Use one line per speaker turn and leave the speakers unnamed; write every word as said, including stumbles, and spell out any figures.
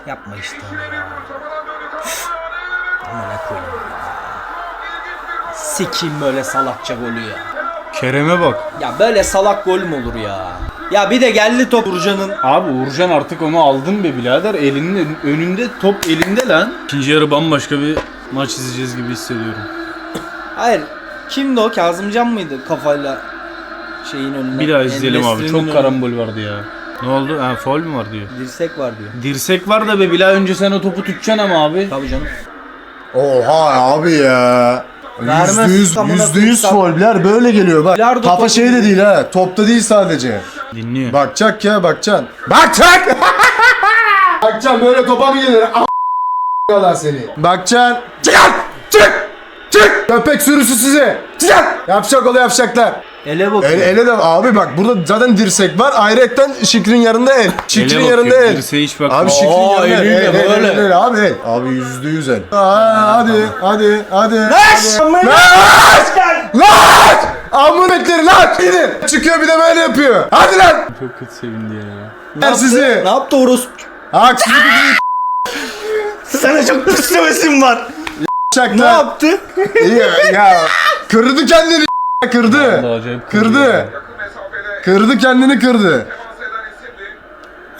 Yapma işte. Ama ne koyayım ya. Sikiyim böyle salakça golü ya.
Kerem'e bak.
Ya böyle salak gol mü olur ya? Ya bir de geldi top Uğurcan'ın.
Abi Uğurcan artık onu aldın be birader. Elinin önünde, top elinde lan. İkinci yarı bambaşka bir maç izleyeceğiz gibi hissediyorum.
Hayır. Kimdi o? Kazımcan mıydı kafayla şeyin önüne?
Bir daha izleyelim abi. Çok
önüne.
karambol vardı ya. Ne oldu? Ha, faul mü var diyor.
Dirsek var diyor.
Dirsek var da be Bilal, önce sen o topu tutacaksın ama abi.
Tabii canım.
Oha abi ya.
Vermez,
Yüzde yüz,
amına
yüzde yüz
koysam.
foul'ler böyle geliyor bak.
Bilardo
Kafa
topu
şey de
gibi.
değil ha. Topta değil sadece.
Dinliyor.
Bakacak ya bakacaksın. Bakacak. Bakacaksın böyle topa mı gelir? A***lar seni. Bakacaksın. Çıkar. Çık. Çık. Köpek sürüsü size. Çıkar. Yapacak olu yapacaklar.
Ele bakıyor.
El, ele de abi bak burada zaten dirsek var. Ayrıyetten Şikrin yanında el. Şikrin
Ele
yanında
bakıyor,
el.
dirseğe hiç bakmıyor.
Abi Şikrin
Aa,
yanında el.
eliyle
El, el,
böyle.
el, el, abi el. Abi yüzde yüz el. Aa, hadi hadi hadi.
Laş!
Hadi. Laş! Laş! Amın etleri lan! Gidin. Çıkıyor bir de böyle yapıyor. Hadi lan!
Çok kötü sevindi ya.
Ne
Ver
yaptı?
sizi.
Ne yaptı orospu?
Haksızlık değil.
Sana çok pis hevesim var. Ne
Çakla.
yaptı?
İyi ya. Kırdı kendini. Kırdı.
Vallahi acayip
Kırdı. Kırdı kendini kırdı.